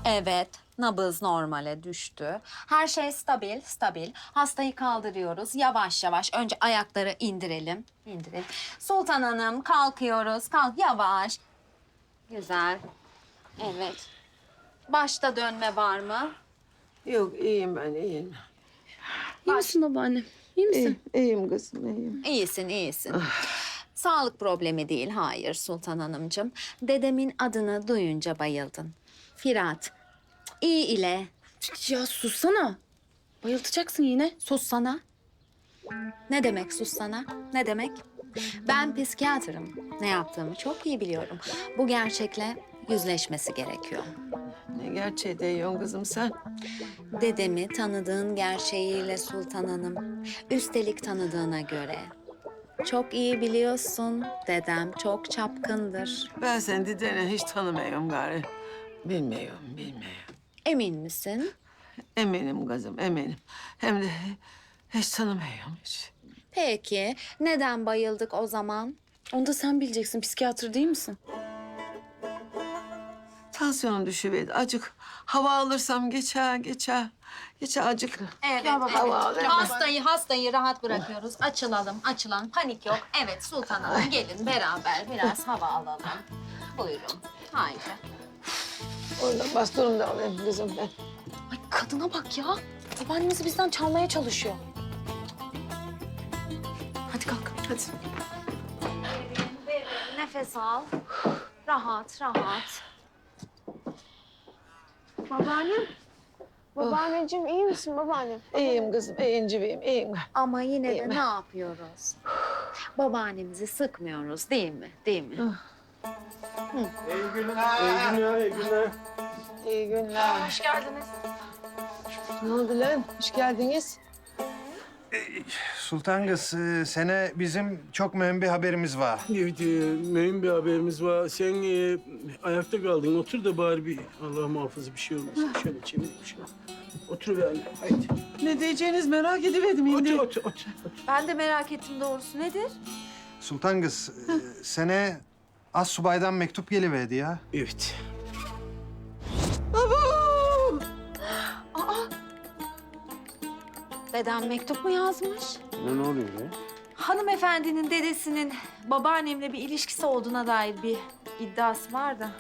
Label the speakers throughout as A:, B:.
A: Evet, nabız normale düştü. Her şey stabil. Hastayı kaldırıyoruz. Yavaş yavaş. Önce ayakları indirelim. İndirelim. Sultan Hanım kalkıyoruz. Kalk yavaş. Güzel. Evet. Başta dönme var mı?
B: Yok iyiyim ben iyiyim.
C: İyi misin babaannem? İyi misin?
B: İyiyim kızım iyiyim.
A: İyisin. Sağlık problemi değil, hayır Sultan Hanımcığım. Dedemin adını duyunca bayıldın. Firat, iyi ile.
C: Ya sussana. Bayıltacaksın yine.
A: Sussana. Ne demek sussana? Ne demek? Ben psikiyatrım. Ne yaptığımı çok iyi biliyorum. Bu gerçekle yüzleşmesi gerekiyor.
B: Ne gerçeği diyorsun kızım sen?
A: Dedemi tanıdığın gerçeğiyle Sultan Hanım. Üstelik tanıdığına göre. Çok iyi biliyorsun. Dedem çok çapkındır.
B: Ben seni dedeni hiç tanımıyorum gari. Bilmiyorum.
A: Emin misin?
B: Eminim kızım eminim. Hem de hiç tanımıyorum hiç.
A: Peki, neden bayıldık o zaman?
C: Onu da sen bileceksin. Psikiyatr değil misin?
B: Tansiyonum düşüverdi. Acık hava alırsam geçer. Geçer acık.
A: Evet,
B: Hava alırım.
A: Hastayı rahat bırakıyoruz. Açılalım. Panik yok. Evet, Sultan Hanım gelin beraber biraz hava alalım. Buyurun. Haydi.
B: Oradan bastonumu da alayım kızım ben.
C: Ay kadına bak ya. Babaannemizi bizden çalmaya çalışıyor. Hadi kalk.
B: Hadi.
A: Nefes al. Rahat.
D: Babaanneciğim iyi misin babaannem?
B: İyiyim kızım, iyiyim.
A: Ama yine
B: İyiyim.
A: de ne yapıyoruz? Babaannemizi sıkmıyoruz değil mi?
E: İyi günler.
B: İyi günler.
D: Hoş geldiniz.
B: Ne oldu lan? Hoş geldiniz.
E: Sultan kız, sene bizim çok mühim bir haberimiz var.
F: Evet, mühim bir haberimiz var. Sen ayakta kaldın. Otur da bari bir Allah muhafaza bir şey olmasın. Şöyle çevir bir şey. Otur be anne. Haydi.
B: Ne diyeceğiniz merak ediverdim şimdi.
F: Otur.
D: Ben de merak ettim doğrusu. Nedir?
E: Sultan kız, sene Astsubay'dan mektup geliverdi ya.
F: Evet.
A: Dedem mektup mu yazmış?
F: Ne oluyor ya?
D: Hanımefendinin dedesinin babaannemle bir ilişkisi olduğuna dair bir iddiası var da.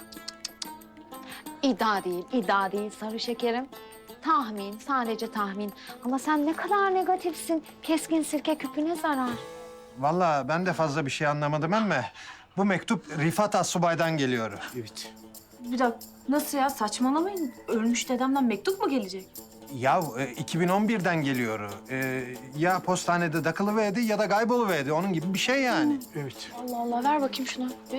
A: İddia değil sarı şekerim. Tahmin, sadece tahmin. Ama sen ne kadar negatifsin. Keskin sirke küpüne zarar.
E: Vallahi ben de fazla bir şey anlamadım ama bu mektup Rifat Astsubay'dan geliyor.
F: Evet.
D: Bir dakika nasıl ya saçmalamayın. Ölmüş dedemden mektup mu gelecek?
E: Ya 2011'den geliyor. Ya postanede takılıverdi ya da kayboluverdi. Onun gibi bir şey yani.
F: Evet.
C: Allah Allah ver bakayım şunu. Bir.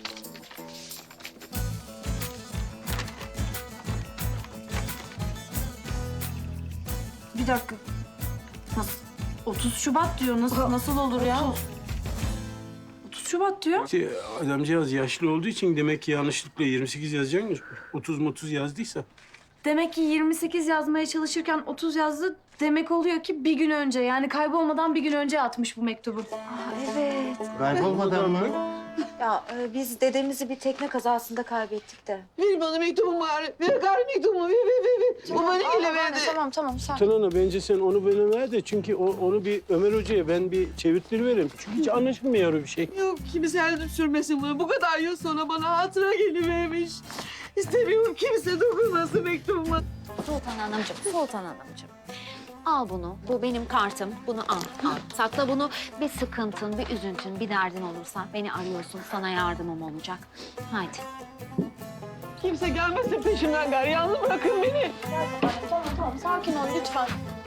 D: Bir dakika. Nasıl? 30 Şubat diyor. Nasıl olur ya? 30 Şubat diyor.
F: İşte adamcağız yaşlı olduğu için demek ki yanlışlıkla 28 yazacakmış. 30 yazdıysa.
D: Demek ki 28 yazmaya çalışırken 30 yazdı. Demek oluyor ki bir gün önce yani kaybolmadan bir gün önce atmış bu mektubu.
A: Evet.
E: Kaybolmadan mı?
A: Ya biz dedemizi bir tekne kazasında kaybettik de.
B: Ver bana mektubumu bari. Ver gari mektubumu. Ver. O bana ile verdi.
C: Tamam sakin.
F: Tanana bence sen onu bana ver de çünkü onu bir Ömer Hoca'ya ben bir çevirttiriverim. Çünkü hiç anlaşılmıyor bir şey.
B: Yok kimse elini sürmesin bunu. Bu kadar yıl sonra bana hatıra gelivermiş. İstemiyorum kimse dokunmasın mektubuma.
A: Sultan Hanımcığım. Al bunu. Bu benim kartım. Bunu al. Sakla bunu. Bir sıkıntın, bir üzüntün, bir derdin olursa beni arıyorsun. Sana yardımım olacak. Haydi.
B: Kimse gelmesin peşimden gari. Yalnız bırakın beni.
C: Tamam sakin ol lütfen.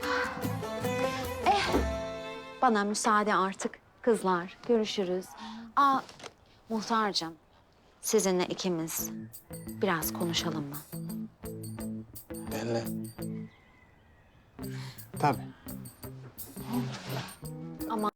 A: Bana müsaade artık. Kızlar, görüşürüz. Muhtarcığım. Sizinle ikimiz biraz konuşalım mı?
E: Benle. Tabii.